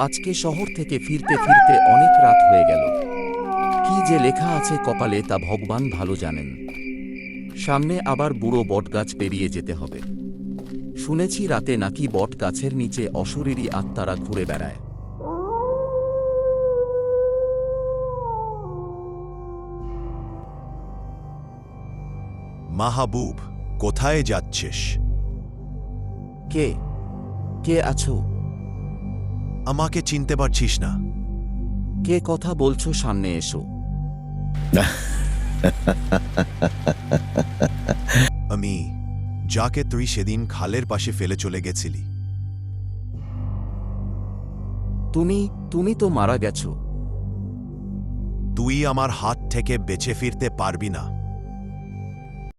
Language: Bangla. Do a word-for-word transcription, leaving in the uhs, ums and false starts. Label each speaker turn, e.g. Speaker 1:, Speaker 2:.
Speaker 1: আজকে শহর থেকে ফিরতে ফিরতে অনেক রাত হয়ে গেল। কি যে লেখা আছে কপালে তা ভগবান ভালো জানেন। সামনে আবার বুড়ো বটগাছ পেরিয়ে যেতে হবে। শুনেছি রাতে নাকি বট গাছের নিচে অশরীরী আত্মারা ঘুরে বেড়ায়।
Speaker 2: মাহবুব, কোথায় যাচ্ছিস?
Speaker 1: কে কে আছো?
Speaker 2: আমাকে চিনতে পারছিস না?
Speaker 1: কে কথা বলছো? সামনে এসো।
Speaker 2: আমি, যাকে তুই সেদিন খালের পাশে ফেলে চলে গেছিলি।
Speaker 1: তুমি তুমি তো মারা গেছো।
Speaker 2: তুই আমার হাত থেকে বেঁচে ফিরতে পারবি না।